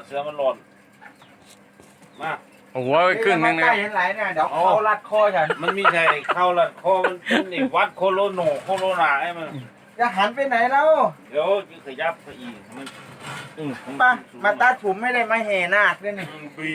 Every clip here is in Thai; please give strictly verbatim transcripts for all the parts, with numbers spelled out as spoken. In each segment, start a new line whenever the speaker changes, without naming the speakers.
เสือมันหล่นมา
หัวไปครึ่งนึงนะ
ใกล้เห็นไหลเนี่ยเดี๋ยวเขารัดคอฉัน
มันมีใช่เข้าละคอมันเป็นไอ้วัดโคโลโนโคโลนาไอ้มัน
จะหันไปไหนแล้ว
เดี๋ยวจะขยับไปอีกมันอืม
มามาตัดผมไม่ได้มาแห่นาคด้วยนี่
บี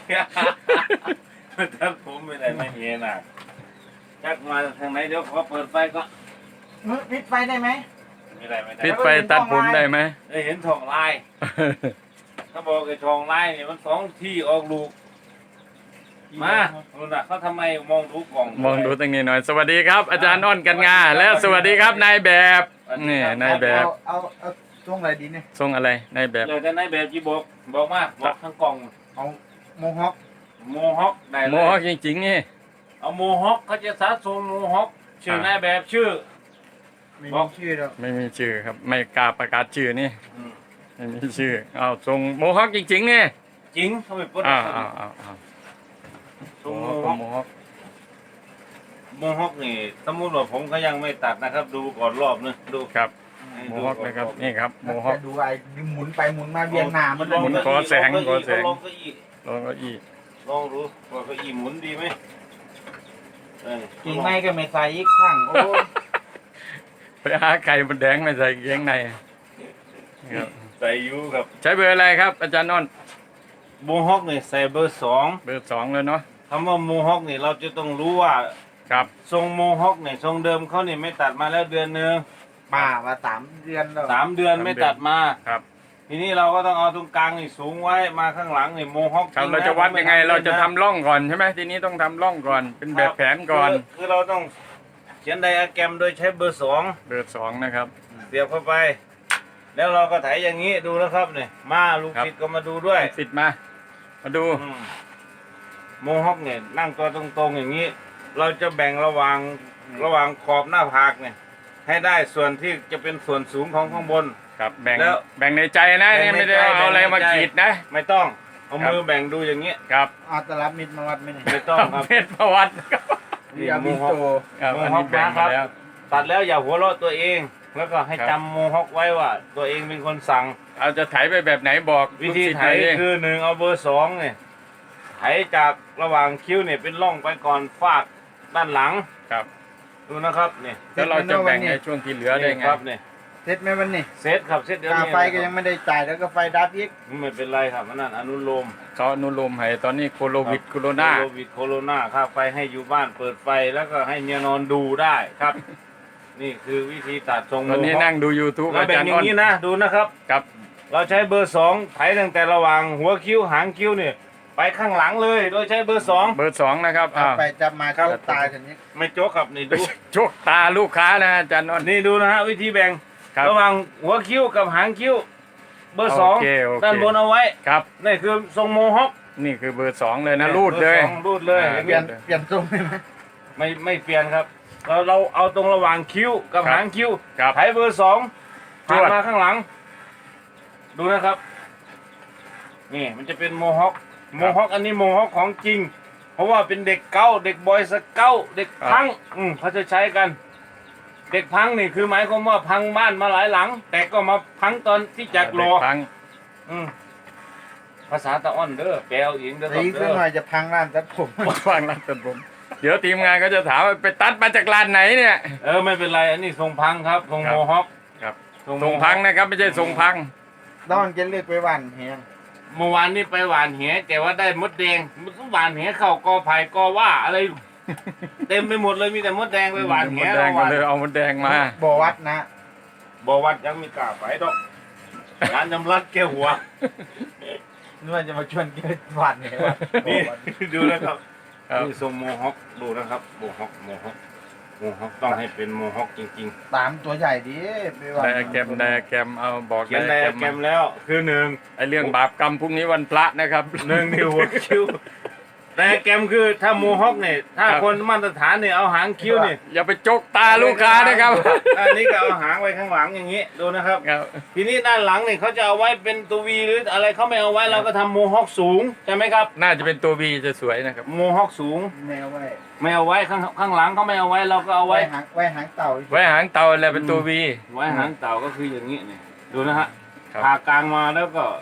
มันทัดผมไม่ได้ไม่เห็นอ่ะจักมาทางไหนเดี๋ยวขอเปิดไฟก็
มือปิดไฟได้ไหม
ไม่ได้ไม่ได้
ปิดไฟตัดผมได้ไหม
ได้เห็นทองลายเขาบอกไอ้ทองลายเนี่ยมันสองที่ออกลูกมาดูนะเขาทำไมมองดูกล่อง
มองดูตรงนี้หน่อยสวัสดีครับ อาจารย์อ้อนกันงาแล้วสวัสดีครับนายแบบนี่นายแบบ
เอาเอาเอาช่วงอะไรดีเนี่ย
ทรงอะไรนายแบบ
เลยแต่ในแบบจีบอกบอกมาบอกทั้งกล่อง
เอาโมฮอค
โมฮอคได้เลย
โมฮอคจริงๆนี่
เอาโมฮอคเขาจะสะสมโมฮอคชื่อนายแบบชื่อ
ไม่
บอ
มี
ก
ชื่อแล้ว
ไม่มีชื่อครับไม่กล้าประกาศชื่อนี่
อืม
ไม่มีชื่อเอาทรงโมฮอคจริงๆนี่
จริงเขาไม่พูด
อ้าวอ้าวอ้าวอ้าว
ทรง
โม
โม
ฮอ
ฮ
ค
อค
โมฮอค
โมฮอคนี่สมมุติว่าผมก็ยังไม่ตัดนะครับ ดูก่อนรอบนึงดู
ครับ
ให้
โม
ดู
ฮอค
ก่
นะครับ
รอบ
นี่ครับโมฮอค
จะดูไอ้หมุนไปหมุนมาเวียนหน้ามัน
ลอง
หมุน
เก้า
ขอ
อี้
แสง
ลอง
ขอแสง
ลองเก้าอี้
ลองเก้าอี้
ลองดูว่าเก้าอี้หมุนดีไหมเออ
กิ่งไม้ก็ไม่ใส่อีกข้างโอ้
ไปหาไก่บนแดงมาใส่เกงในครับ
ใส่อยูครับ
ใช้เบอร์อะไรครับ อาจารย์อ้อน
โมฮอคนี่ใส่เบอร์สอง
เบอร์สองเลยเนาะ
คำว่าโมฮอคนี่เราจะต้องรู้ว่า
ครับ
ทรงโมฮอคเนี่ยทรงเดิมเขานี่ไม่ตัดมาแล้วเดือนหนึง
ป่ามาสามเดือนแล้ว
สามเดือนไม่ตัดมา
ครับ
ทีนี้เราก็ต้องเอาตรงกลางนี่สูงไว้มาข้างหลังนี่โมฮอค
ครับ
ง
เรา
น
จะวัดยังไง
ผมม่
เราจะ
ล่นน
ทำร่องก่อนใช่ไหมทีนี้ต้องทำร่องก่อน เป็นแบบแผนก่อน
คือคือเราต้องเขียนไดอะแกรมโดยใช้เบอร์สอง
เบอร์สองนะครับ
เสียบเข้าไป แล้วเราก็ไถอย่างนี้ดูนะครับเนี่ยมาลูก
ครับ
ศิษย์ก็มาดูด้วย
สิทธิ์มา มาดู
อืมโมฮอคเนี่ยนั่งตัวตรงๆอย่างนี้ เราจะแบ่งระหว่างระหว่างขอบหน้าผากเนี่ยให้ได้ส่วนที่จะเป็นส่วนสูงของข้างบน
ครับ แบ่ง
แล้ว
แบ่งในใจนะ
แบ่
นี่
งใน
ไม่ได้
ใจ
เอาอะไร
แบ่งใน
มา
ใจ
ขีดนะ
ไม่ต้องเอา
ครับ
มือแบ่งดูอย่างนี้
ครับ
เอาตลับมิดมาวัดไหมเนี่ย
ไม่ต้องครับ
เพชรประวัติครับ
นี่
เอา
โม
บิน
ฮอค
โต
ครับ
โม
อัน
ฮอ
นี้
ค
แบ่ง
นะครั
มา
บ
แล้ว
ตัดแล้วอย่าหัวเราะตัวเอง แล้วก็ให้
ครับ
จำโมฮอคไว้ว่า ตัวเองเป็นคนสั่ง
เอาจะไถไปแบบไหนบอก
วิธี
ลูกศิษย์
ไถ
หน่อยดิ
คือหนึ่งเอาเบอร์สองเนี่ยไถจากระหว่างคิ้วเนี่ยเป็นร่องไปก่อนฟากด้านหลัง
ครับ
ดูนะครับเนี่ย
แล้วเราจะแบ่งในช่วงที่เหลือได้ไง
ครับเนี่ย
เสร็จไหมวันนี้
เซตครับเซตเดี๋ยว
ค่า
นี้
ไฟก็ยังไม่ได้จ่ายแล้วก็ไฟดับอีก
ไม่เป็นไรครับมันนั่นอนุโลม
เขาอนุโลมให้ตอนนี้โคโรวิดโคโรนา
โควิดโคโรนาค่าไฟให้อยู่บ้านเปิดไฟแล้วก็ให้เมียนอนดูได้ครับ นี่คือวิธีตัดทรง
ตอนนี้
โมฮอค
นั่งดู YouTube
เรา
อา
แบ่
จาง รย์
อย่า
อ้อน
งนี้นะดูนะครับ
ครับ
เราใช้เบอร์สองไถตั้งแต่ระหว่างหัวคิ้วหางคิ้วเนี่ยไปข้างหลังเลย โดยใช้เบอร์สอง
เบอร์สองนะครับ
จับ
อ้าว
ไปจับมาเข้าตายกันนี้
ไม่โจ๊กครับนี่ดู
ชกตาลูกค้านะอาจารย์อ้อน
นี่ดูนะฮะวิธีแบ่ง
ครับ
ระหว่างหัวคิ้วกับหางคิ้ว เบอร์สอง
โอเคโอเค
ด้านบนเอาไว้
ครับ
นี่คือทรงโมฮอค
นี่คือเบอร์สองเลยนะรูดเลย
บอร์สองรูดเลย
อ่า
เปลี่ยนเปลี่ยนทรงได้ไหม
ไม่ไม่เปลี่ยนครับ เราเราเอาตรงระหว่างคิ้วกับ
ครับ
หางคิ้ว
ครับ
ไถเบอร์สอง
จ
ผ่าน
วด
มาข้างหลัง ดูนะครับ นี่มันจะเป็นโมฮอคโมฮอคอันนี้โมฮอคของจริง เพราะว่าเป็นเด็กเก้าเด็กบอยสเก้าเด็กพังอืมเขาจะใช้กัน เด็กพังนี่คือหมายความว่าพังบ้านมาหลายหลัง แต่ก็มาพังตอนที่จักรอ
เด็พัง
อืมภาษาตะอ้อนเด้อแปลเอาเองเด้อค
ตี
รับ
ขึ้น
เด้อ
หน่อยจะพังร้านตัดผม
ฟังรัดตัดผม เดี๋ยวทีมงานก็จะถามว่าไปตัดมาจากร้านไหนเนี่ย
เออไม่เป็นไร อันนี้ทรงพังครับทรง
ครับ
โมฮอค
ครับ
ทรง
ทรงพังนะครับไม่ใช่ทรงพัง
ต้องจะเลือกไปวันเฮียง
เมื่อวานนี้ไปหวานแหแต่ว่าได้มดแดงมันก็หวานแหเข้ากอไผ่กอว่าอะไร เต็มไปหมดเลยมีแต่มดแดงไปหวานแห
มดแดงก็เลยเอามดแดงมา
บ่อวัดนะ
บอกวัดยังมีกล้าไปดอกร้านยำรัดแก้วหัว
นึกว่าจะมาชวนเกิดวันเนี่ยว่าบ่
นี่
อวัด
ดูนะครับ
ครับ
นี่ทรงโมฮอคดูนะครับโมฮอคโมฮอคโมฮอคต้องให้เป็นโมฮอคจริง
ตามตัวใหญ่ดิไปวัน
ไดอะแกรมไดอะแกรมเอาบอก
ๆ เขียนไดอะแกรม
มา
แล้วคือหนึ่ง
ไอเรื่องบาปกรรมพรุ่งนี้วันพระนะครับ
หนึ่งนิ้วหัวคิ้วไดอะแกรมคือถ้าโมฮอคเนี่ยถ้า
ครับ
คนมาตรฐานเนี่ยเอาหางคิ้วเนี่ย
อย่าไปจกตาลูกค้านะครับ
อันนี้ก็เอาหางไว้ข้างหลังอย่างนี้ดูนะครับ
ครับ
ทีนี้ด้านหลังเนี่ยเขาจะเอาไว้เป็นตัววีหรืออะไรเขาไม่เอาไว้เราก็ทำโมฮอคสูงใช่ไหมครับ
น่าจะเป็นตัววีจะสวยนะครับ
โมฮอคสูง
แมวไว้
ไม่เอาไว้ข้างข้างหลังเขาไม่เอาไว้เราก็เอา
ไว้
ไว้
หางไว้หางเต่า
ไว้หางเตาอะไรเป็นตัววี
ไว้หางเต่าก็คืออย่างนี้เนี่ยดูนะฮะ
ครับ
ผ่ากลางมาแล้วก็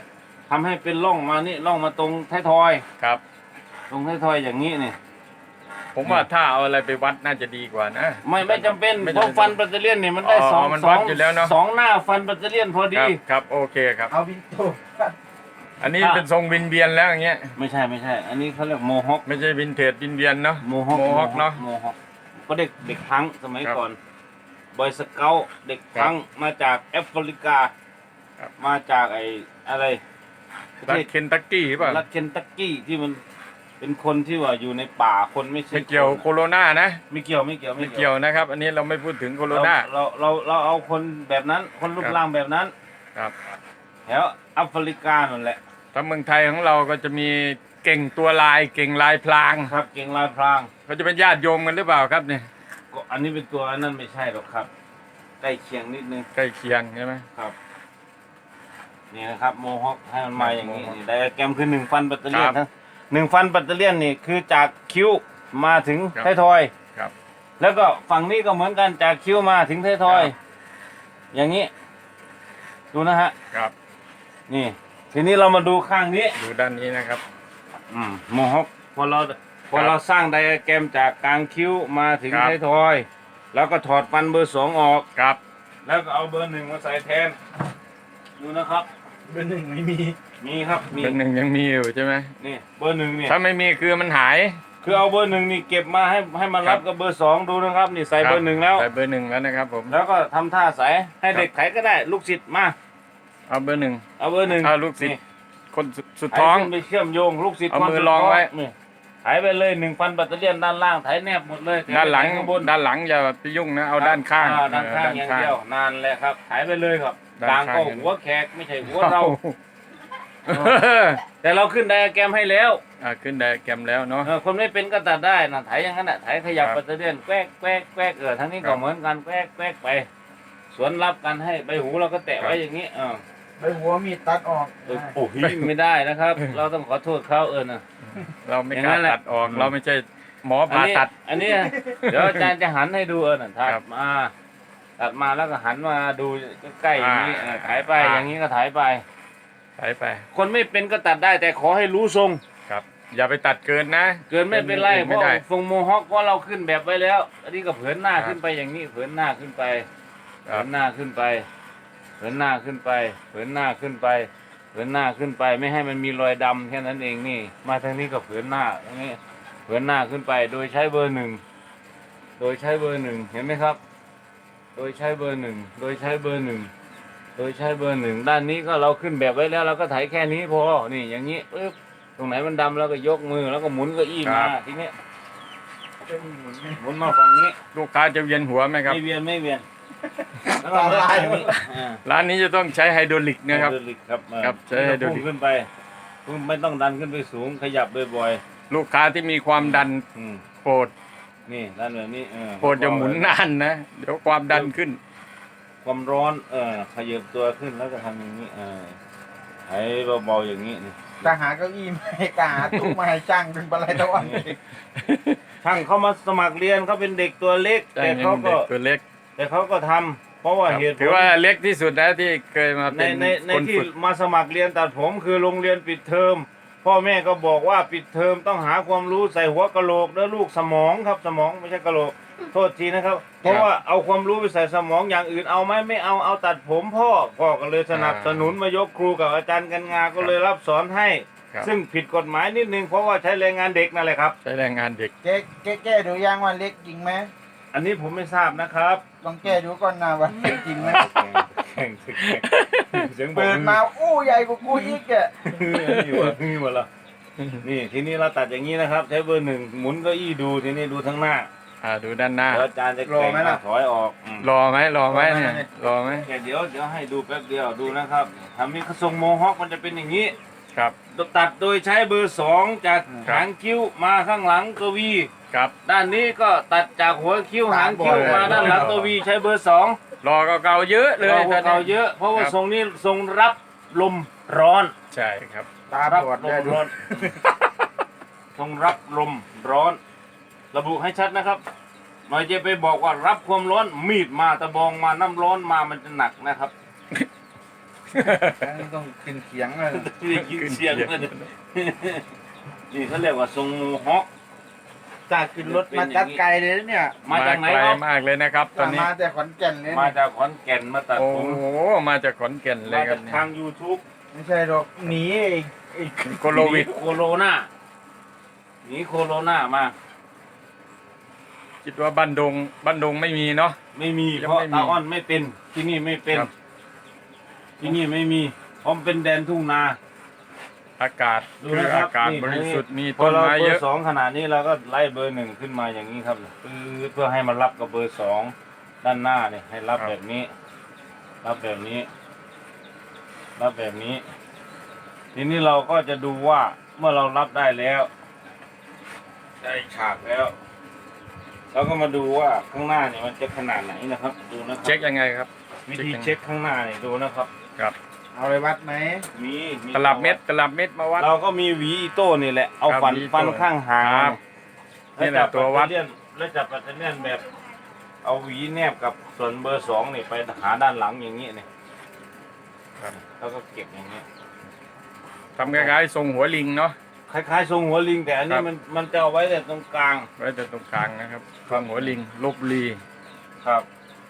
ทำให้เป็นร่องมานี่ร่องมาตรงท้ายทอย
ครับ
ตรงท้ายทอยอย่างนี้นี่
ผมว่าถ้าเอาอะไรไปวัดน่าจะดีกว่านะ
ไม่ไม่จำเป็น
ไม่
เพ
จำ
ราะ
เป็น
ฟันปัตเตอร์เลียนนี่มันได้
อ๋อ
สอง
มัน
ส
วั
อ
ด
ง
อยู่แล้วเนอะ
สองหน้าฟันปัตเตอร์เลียนพอ
ค
ดี
รับครับโอเคครับ
เอาวินโต
อันนี้เป็นทรงวินเวียนแล้วอย่างเงี้ย
ไม่ใช่ไม่ใช่ อันนี้เขาเรียกโมฮอค
ไม่ใช่วินเทจวินเวียนเนาะ
โมฮอค
โมฮอคเนาะ
โมฮอคก็เด็กเด็กพังสมัย
ครับ
ก่อนบอยสเกลเด็กพังมาจากแอฟริกา
ครับ
มาจากไอ้อะไรประ
รัฐ
เทศ
เคนตักกี้ป่ะ
รัฐเคนตักกี้ที่มันเป็นคนที่ว่าอยู่ในป่าคนไม่ใช่
ไม่เกี่ยว
คน
โคโรนานะ
ไม่เกี่ยวไม่เกี่ยว
ไม่เกี่ยวนะครับ อันนี้เราไม่พูดถึงโคโรนา
เราเราเราเราเอาคนแบบนั้น คนรูป
ครับ
ร่างแบบนั้น
ครับ
แถวแอฟริกานั่นแหละ
ถ้าเมืองไทยของเราก็จะมีเก่งตัวลายเก่งลายพลาง
ครับเก่งลายพราง
เขาจะเป็นญาติโยมกันหรือเปล่าครับเนี่ย
ก็อันนี้เป็นตัวอันนั้นไม่ใช่หรอกครับใกล้เคียงนิดนึง
ใกล้เคียงใช่ไหม
ครับนี่นะครับโมฮอคให้มันมาอย่างนี้นี่ไดอะแกรมคือหนึ่งฟันปัตเตอร์เลียนทั้งหนึ่งฟันปัตเตอร์เลียนนี่คือจากคิ้วมาถึงท้ายทอย
ครับ
แล้วก็ฝั่งนี้ก็เหมือนกันจากคิ้วมาถึงท้ายทอย อย่างนี้ ดูนะฮะ
ครับ
นี่ ทีนี้เรามาดูข้างนี้
ดูด้านนี้นะครับ
อืมโมฮอคพอเราพอเราสร้างไดอะแกรมจากกลางคิ้วมาถึง
ครับ
ท้ายทอย แล้วก็ถอดฟันเบอร์สองออก
ครับ
แล้วก็เอาเบอร์หนึ่งมาใส่แทน ดูนะครับ
เบอร์หนึ่งไม่มี
มีครับมี
เป็นหนึ่งยังมีอยู่ใช่ไหม
นี่เบอร์หนึ่งเนี่ย
ถ้าไม่มีคือมันหาย
คือเอาเบอร์หนึ่งนี่เก็บมาให้ให้มารับกับเบอร์สองดูนะครับ นี่ใส่เบอร์หนึ่งแล้ว
ใส่เบอร์หนึ่งแล้วนะครับผม
แล้วก็ทำท่าใส่ให้
ครับ
เด็กไถก็ได้ ลูกศิษย์มา
เอาเบอร์หนึ่ง
เอาเบอร์หนึ่ง
เอาลูกศิษย์
นี่
คนสุดสุด
ไถ
ท้อง
ขึ้นไปเชื่อมโยง ลูกศิษย์
เอา
คน
มือ
สุด
รองไว้
นี่ไถไปเลยหนึ่งพันแบตเตอรี่ยนด้านล่างไถแนบหมดเลย
ด้านหลัง
ข้างบน
ด้านหลังอย่าไปยุ่งนะเอาด้านข้าง
อ่ด้านข้างอย่างเดียว นานแหละครับไถไปเลยครับ
ด้าน
กลาง
ข้าง
ก็
อย่างเดียว
หัวแขกไม่ใช่หัวเรา แต่เราขึ้นไดอะแกรมให้แล้ว
อ่าขึ้นไดอะแกรมแล้วเนาะ
เออคนไม่เป็นก็ตัดได้นะไถอย่างนั้นน่ะไถขยับ
ครับ
แบตเตอรี่ยนแกวกแกวกแกวกเออทั้งนี้
ครั
ก็
บ
เหมือนกันแกวกแกวกไป สวนรับกันให้ใบหูเราก็แตะไว้อย่างนี้เออ
ใบหัวมีดตัดออก
เออโอ้โหไม่ได้นะครับ เราต้องขอโทษเขาเออนะ
เราไม่
อย่าง
ก
นั้
ล้าน
แหละ
ตัดออก
อืม
เราไม่ใช่หมอ
อัน
ผ่า
นี้
ตัด
อันนี้เดี๋ยวอาจารย์จะหันให้ดูเออน่ะถั
ครั
ด
บ
มาตัดมาแล้วก็หันมาดูใกล้ๆอย่างนี้
อ่า
เออถ่ายไป
อ่า
อย่างนี้ก็ถ่ายไป
ใส่ไป
คนไม่เป็นก็ตัดได้แต่ขอให้รู้ทรง
ครับ อย่าไปตัดเกินนะ
เกินไม่เป็นไรเพ
ไม่
ราะ
ได้
ทรงโมฮอคว่าเราขึ้นแบบไว้แล้ว อันนี้ก็เผินหน้า
ครับ
ขึ้นไปอย่างนี้เผินหน้าขึ้นไป
ค
เผิ
รับ
นหน้าขึ้นไปเผินหน้าขึ้นไปเผินหน้าขึ้นไปเผินหน้าขึ้นไป ไม่ให้มันมีรอยดำแค่นั้นเองนี่ มาทางนี้ก็เผินหน้าตรงนี้เผินหน้าขึ้นไป โดยใช้เบอร์หนึ่งโดยใช้เบอร์หนึ่งเห็นไหมครับ โดยใช้เบอร์หนึ่งโดยใช้เบอร์หนึ่งโดยใช้เบอร์หนึ่งด้านนี้ก็เราขึ้นแบบไว้แล้วเราก็ไถแค่นี้พอนี่อย่างนี้ปึ๊บตรงไหนมันดำเราก็ยกมือแล้วก็หมุนเก็อี้มาทีนี้หมุนมาฝั่งนี้
ลูกค้าจะเวียนหัวไหมครับ
ไม่เวียนไม่เวียนแล้วก็มาอย่างนี้อ่า
ร้านนี้จะต้องใช้ไฮดรอลิกนะครับ
ไฮโดรลิกครับอ่า
ครับใช้ไฮโดรลิก
พุ่งขึ้นไปพุ่งไม่ต้องดันขึ้นไปสูงขยับบ่อย
ลูกค้าที่มีความดัน
ๆอืม
โปรด
นี่ด้านแบบนี้เออ
โปรดจะหมุนนานนะเดี๋ยวความดันขึ้น
ความร้อนเออขยับตัวขึ้นแล้วก็ทำอย่างนี้เออไถเบาๆอย่างนี้นี่
จะหาเก้าอี้มาให้กาหาตู้มาให้จ้างเป็นอะไรตะวัน
ช่างเขามาสมัครเรียนเขาเป็นเด็กตัวเล็ก แต่เขาก็
ตัวเล็ก
แต่เขาก็ทำเพราะว่า
ครับ
เหตุผล
ถือว่าเล็กที่สุดนะที่เคยมา
ใน
เป็น
ในใน
คน
ที่
ฝึก
มาสมัครเรียนตัดผมคือโรงเรียนปิดเทอมพ่อแม่ก็บอกว่าปิดเทอมต้องหาความรู้ใส่หัวกะโหลกแล้วลูกสมองครับสมองไม่ใช่กะโหลกโทษทีนะครับ เพราะว่าเอาความรู้ไปใส่สมองอย่างอื่นเอาไหมไม่เอาเอาตัดผมพ่อพ่อก็เลยสนับสนุนมายกครูกับอาจารย์กันงาก็เลยรับสอนให้
ครับ
ซึ่งผิดกฎหมายนิดนึงเพราะว่าใช้แรงงานเด็กนั่นแหละครับ
ใช้แรงงานเด็ก
แก้แก้แก้ดูยังว่าเล็กจริงไหม
อันนี้ผมไม่ทราบนะครับ
ลองแก้ดูก่อนนะว่าเล็กจริงไหม
แข่งแข่งเสียงบอก
เปิดมาอู้ใหญ่กว่ากูอีกอ่ะ
นี่วะนี่หมดละนี่ทีนี้เราตัดอย่างนี้นะครับ ใช้เบอร์หนึ่งหมุนเก้าอี้ดูทีนี้ดูทั้งหน้า
อ่าดูด้านหน้า
แล้วอาจารย์จะแข่งถอยออกอืม
รอไหมรอไหมเนี่ยรอไหม
แค่เดี๋ยวเดี๋ยวให้ดูแป๊บเดียวดูนะครับทำนี้ทรงโมฮอคมันจะเป็นอย่างนี้
ครับ
ตัดโดยใช้เบอร์สองจาก
ครับ
หางคิ้วมาข้างหลังกวี
ครับ
ด้านนี้ก็ตัดจากหัวคิ้วหางคิ้วมาด้านหลังกวีใช้เบอร์สอง
รอก็เก่าเยอะเลย
เราพวกเราเยอะ เพราะว่าทรงนี้ทรงรับลมร้อน
ใช่ครับ
ตา
รับ
บอด
ล
ได้
ม
ดู
ร้อน ทรงรับลมร้อน ระบุให้ชัดนะครับหน่อยจะไปบอกว่ารับความร้อนมีดมาตะบองมาน้ำร้อนมามันจะหนักนะครับ
ต้องกินเขียงเลย
นี่กินเสียงมันนี่เขาเรียกว่าทรงโมฮอค
จากขึ้นรถมาจัดไกลเลยนะเนี่ย
มาจากไหน
ไกล
ครับ
มากเลยนะครับ ตอนนี้
มาแต่ขอนแก่นเลย
มา
เนี่ย
จากขอนแก่นมาตัด
โอ้
ผม
โหมาจากขอนแก่นเล
มาย
ครั
จา
บ
กทาง YouTube
ไม่ใช่หรอกหนีอีกอีก
โคโลวิด
โคโรนาหนีโคโรนามา
คิดว่าบ้านดงบ้านดงไม่มีเนาะ
ไม่มี
ยัง
เพราะ
ไม่มี
ตาอ้อนไม่เป็นที่นี่ไม่เป็น
ครับ
ที่นี่ไม่มีเพราะมันเป็นแดนทุ่งนา
อากาศ
ดู
คือ
นะครับ
อากาศ
นี่
บริสุทธิ์มี
พอ
ต้น
เรา
ไม้
เบ
เย
อ
อะ
ร์สองขนาดนี้เราก็ไล่เบอร์หนึ่งขึ้นมาอย่างนี้ครับปื๊ดเพื่อให้มันรับกับเบอร์สองด้านหน้าเนี่ยให้รับแบบนี้ รับแบบนี้ รับแบบนี้ ทีนี้เราก็จะดูว่าเมื่อเรารับได้แล้ว ได้ฉากแล้วเราก็มาดูว่าข้างหน้าเนี่ยมันจะขนาดไหนนะครับ ดูนะครั
เช็คยังไงครับ
วิธีเช็คข้างหน้าเนี่ยดูนะครับ
ครับ
เอาเลยวัดไหม
มีมี
ตลับเม็ดตลับเม็ดมาวัด
เราก็มีหวีอีโต้นี่แหละเอา
ครับ
ฟัน
หวีอีโต้
ฟันข้างหาง
ครับ
แล้ว
นี่แหละ
จับ
ตัววัด
ปัตเตอร์เลียนแล้วจับปัตเตอร์เลียนแบบ เอาหวีแนบกับส่วนเบอร์สองนี่ไปหาด้านหลังอย่างนี้เนี่ย
ครับ
แล้วก็เก็บอย่างนี้
ทำคล้ายๆทรงหัวลิงเนาะ
คล้ายๆทรงหัวลิงแต่อัน
ครั
นี้
บ
มันมันจะเอาไว้แต่ตรงกลาง
ไว้แต่ตรงกลางนะครับทรงหัวลิงลบบุรี
ครับ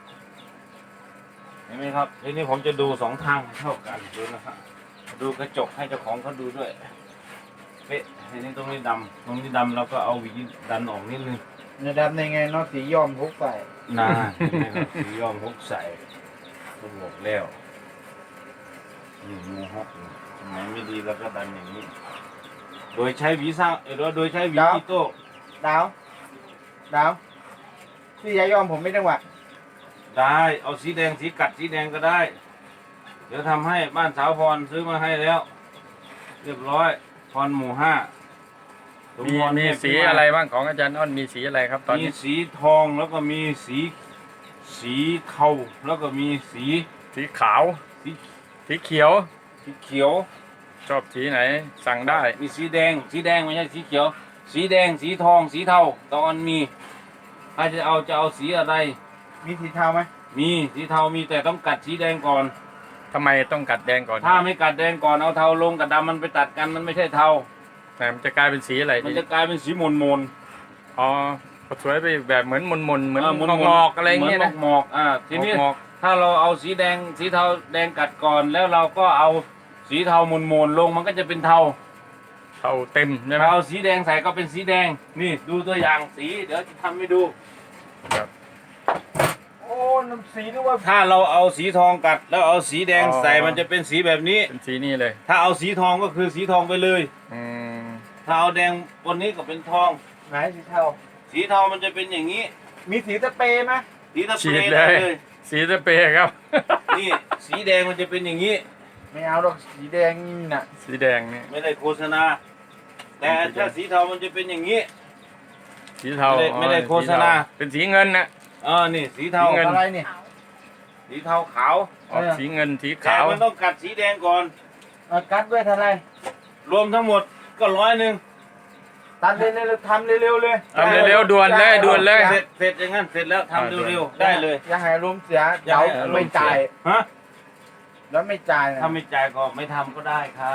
เห็นไหมครับทีนี้ผมจะดูสองทางให้เท่ากันดูนะครับดูกระจกให้เจ้าของเขาดูด้วยเป๊ะทีนี้ตรงนี้ดำตรงนี้ดำเราก็เอาหวีดันออกนิดนึง
เนื้อดำในไงเนอกสียอมพกใส่
นาเห็นไหมครับสียอมฮกใส่ตำรวจแล้วนี่โมฮกนี่สมัยไม่ดีแล้วก็ดันอย่างนี้ โดยใช้หวีสร้างเออโดยใช้หวีอีโต้
ดาวดาวพี่ยายอมผมไม่จังหวะ
ได้เอาสีแดงสีกัดสีแดงก็ได้ เดี๋ยวทำให้บ้านสาวพรซื้อมาให้แล้ว เรียบร้อยพรหมู่ห้า
มี
สพร
มี
เนี่ย
สีอะไรบ้างของอาจารย์อ้อนมีสีอะไรครับ ตอน
มี
นี้
สีทองแล้วก็มีสีสีเทาแล้วก็มีสี
สีขาว
สี
สีเขียว
สีเขียว
ชอบสีไหนสั่งได้
มีสีแดง สีแดงไม่ใช่สีเขียว สีแดง สีทอง สีเทาตอนมีถ้าจะเอาจะเอาสีอะไร
มีสีเทาไหม
มีสีเทามีแต่ต้องกัดสีแดงก่อน
ทำไมต้องกัดแดงก่อน
ถ้าไม่กัดแดงก่อนเอาเทาลงกับดำมันไปตัดกันมันไม่ใช่เทา
แต่มันจะกลายเป็นสีอะไร
มัน
ดี
จะกลายเป็นสีมนมน
อ๋อสวยไปแบบเหมือนมนมนๆเหมือน
มน
งอกๆอะไรเงี้ย
หมื
นะ
หมอกๆอ่าทีนี้
งอก
ถ้าเราเอาสีแดงสีเทาแดงกัดก่อน แล้วเราก็เอาสีเทามนมนๆลงมันก็จะเป็นเทา
ๆเท่าเต็มใช่ไหม
ถ้าเอาสีแดงใส่ก็เป็นสีแดงนี่ดูตัวอย่างสีเดี๋ยวจะทำให้ดู
ครับ
โอ้น้ำสีนึกว่า
ถ้าเราเอาสีทองกัดแล้วเอาสีแดงใส่มันจะเป็นสีแบบนี้
เป็นสีนี่เลย
ถ้าเอาสีทองก็คือสีทองไปเลย
อืม
ถ้าเอาแดงบนนี้ก็เป็นทอง
ไหนสีเทา
สีทองมันจะเป็นอย่างนี้
มีสีสเปรย์ไหม
สีตะเป
ฉี
ร
ด
ย์
เล
ได้
ย
เลย
สีสเปรย์ครับ
นี่สีแดงมันจะเป็นอย่างนี้
ไม่เอาหรอกสีแดงนี่น่ะ
สีแดงนี่
ไม่ได้โฆษณา แต่ถ้าสีเทามันจะเป็นอย่างนี้
สีเทา
ไม่ได้ไม่ได้
อ๋อ
โฆษณา
สีเทเป็นสีเงินนะ
เออนี่สีเทา
สีเงิน
อะไรนี่
สีเทาขาว
ออกสีเงินสี
แต่
ขาว
มันต้องกัดสีแดงก่อน
เอากัดด้วยเท่าไหร
รวมทั้งหมดก็ร้อยหนึ่ง
ตัดเร็วๆทำเร็วๆเลย
ทำเร็วๆด่วนเลยด่วนเลย
เสร็จเสร็จอย่างนั้นเสร็จแล้วทำเร็วๆได้เลย
อย่าให้ลมณ์เสีย
อย่า
เดี๋ยว
ให้อารมณ์
ไม่จ่าย
ฮะ
แล้วไม่จ่ายนะ
ถ้าไม่จ่ายก็ไม่ทำก็ได้ครับ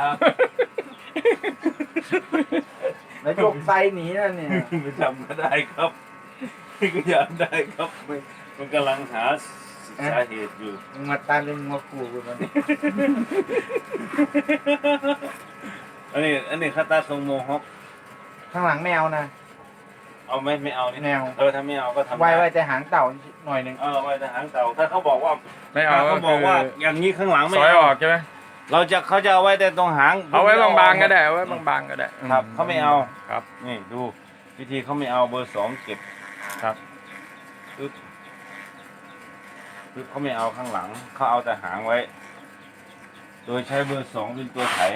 แล้วยกไซหนีนั่นเนี่ย
ไม่ทำก็ได้ครับก็อยากได้ครับมันมันกำลังหาสาเหตุอยู่
มึงมาตามเรื่องมาขู่กูมัน
อันนี้อันนี้คาตาทรงโมฮอค
ข้างหลังไม่เอานะ
เอาไหมไม่เอานี่
ไม่เอา
เออถ้าไม่เอาก็ทำ
ไว้
ด้
ไว้แต่หางเต่าหน่อยหนึ่ง
เออไว้แต่หางเต่าถ้าเขาบอกว่า
ไม่เอา
ถ้า
ก็
เขาบ
คือ
อกว่าอย่างนี้ข้างหลังไม่
ซอยอ
เอา
อกใช่ไหม
เราจะเขาจะเอาไว้แต่ตรงหาง
เอาไว้บางๆก็ได้เอาไว้บางๆก็ได้
ครับเขาไม่เอา
ครับ
นี่ดูวิธีเขาไม่เอาเบอร์สองเก็บ
ครับ
ปึ๊บปึ๊บเขาไม่เอาข้างหลังเขาเอาแต่หางไว้ โดยใช้เบอร์สองเป็นตัวไถ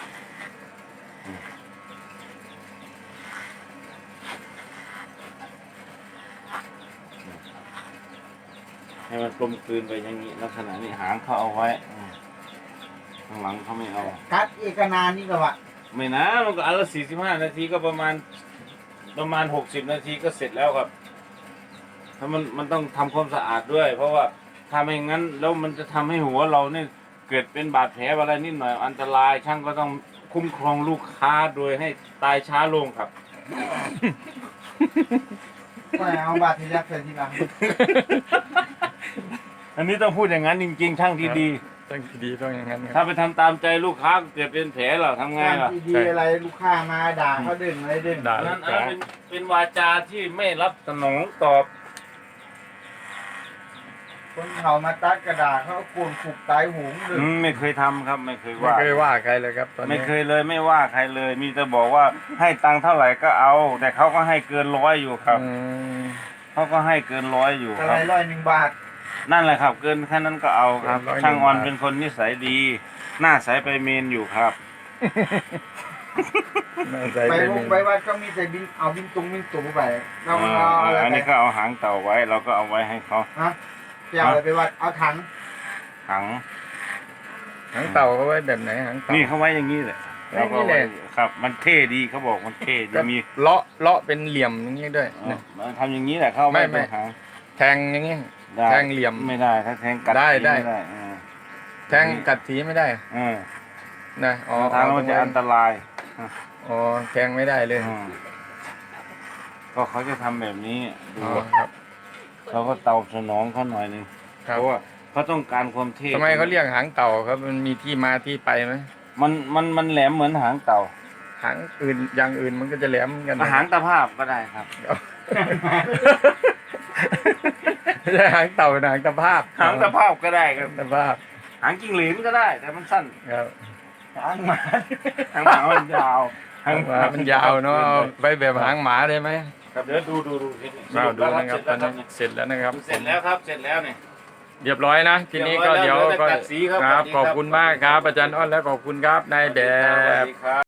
ให้มันกลมกลืนไปอย่างนี้ลักษณะนี้หางเขาเอาไว้อืมข้างหลังเขาไม่เอา
กัดอีกนานนี่ก็วะ
ไม่นะมันก็อันละสี่สิบห้านาทีก็ประมาณประมาณหกสิบนาทีก็เสร็จแล้วครับถ้ามันมันต้องทำความสะอาดด้วย เพราะว่าถ้าไม่งั้นแล้วมันจะทำให้หัวเราเนี่ยเกิดเป็นบาดแผลอะไรนิดหน่อยอันตรายช่างก็ต้องคุ้มครองลูกค้าโดยให้ตายช้าลงครับ
ไม่เอาบาดทะยักใส่ทีหลัง
อันนี้ต้องพูดอย่างนั้นจริงๆ ช่างที่ดี
ต้องดีต้องอย่างนั้นค
ถ้า
รับ
ไปทำตามใจลูกค้าเกิดเป็นแผลเหรอทำไง
งาน
ล่ะ
ที่ดีอะไรลูกค้ามาด่าเขาดึงอะไรดึง
ด่า
อัน
ลู
นั้น
ก
อัน
ค้า
นั้นเป็นเป็นวาจาที่ไม่รับสนองตอบ
คนเขามาตัดกระดาษเขาเอากวนขุกตายหูงดึง
อืมไม่เคยทำครับไม่เคย
ไม่
ว่า
เคยว่าใครเลยครับตอน
ไม่
นี้
เคยเลยไม่ว่าใครเลย มีแต่บอกว่าให้ตังค์เท่าไหร่ก็เอา แต่เขาก็ให้เกินร้อยอยู่ครับ
อืม
เขาก็ให้เกินร้อยอยู่
อะ
ค
ไร
รับ
ร้อยหนึ่งบาท
นั่นแหละครับ เกินแค่นั้นก็เอาครับ
เกินร้อยหนึ่ง
ช่างออน
บาท
เป็นคนนิสัยดี หน้าใสไปเมนอยู่ครับ
น่าใจ
ไป
เป็น
วงไปวัดก็มีแต่บินเอาบินตรงบินตูไปเรา
อ่า
เอาอะไร
อัน
ไป
นี้ก็เอาหางเต่าไว้ เราก็เอาไว้ให้เขา
ฮะจะเอาอะไรไปวัดเอาถัง
หาง
หางเต่าเขาไว้แบบไหนหางเต่า
นี่เขาไว้อย่างนี้แหละ
ไว้อย่างนี้เลย
ราก็อาไว้ครับ มันเท่ดีเขาบอกมันเท่ดี
ก็
มี
เลาะเลาะเป็นเหลี่ยมอย่างนี้ด้วย
เออ
นะ
มันทำอย่างนี้แหละเข้า
ไม่
ไว้
ไม่
ตรงหาง
แทงอย่างนี้
ได้
แทงเหลี่ยม
ไม่ได้ถ้าแทงกัด
ได้
ที
ได้
ไม่ได้เออ
แทงกัดทีไม่ได้
เออ
นะอ๋อ
ทางแล้วมันจะอันตราย
อ๋อแทงไม่ได้เลย
อืมก็เขาจะทำแบบนี้ดู
อ๋อครับ
เขาก็เตาสนองเขาหน่อยหนึง
ครั
เพ
บ
ราะว่าเขาต้องการความเท่
ทำไมเขาเรียกหางเต่าครับมันมีที่มาที่ไปไหม
มันมันมันแหลมเหมือนหางเต่า
หางอื่นอย่างอื่นมันก็จะแหลมเหมือนกัน
หางตะภาพก็ได้ครับ
ไม่ใช่หางเต่าเป็นหางตะภาพ
หางตะภาพก็ได้ครับ
ตะภาพ
หางจิ้งหรีดก็ได้ แต่มันสั้น
ครับ
หางหมา
หางหมามันยาว
หางหมามันยาวเนาะเอาไปแบบหางหมาได้ไหม
ครับเดี๋ยวดูดูดูทีนี้
เราดู
ส
นะครับต
แล้
อน
ว
นี้เสร็จแล้วนะครับ
เสร็จแล้วครับเสร็จแล้วเนี่ย
เรียบร้อยนะ ทีนี้ก็
เรี
เดี๋
ย
ยว
บร้อยแล้ว
ก็
เหลือแต่กัดสีครับ
ครับ
สวัสดี
ข
ครับ
อบคุณมากครับ อาจารย์อ้อนและขอบคุณครับนายแบ
สวัส
บ
ดีครับ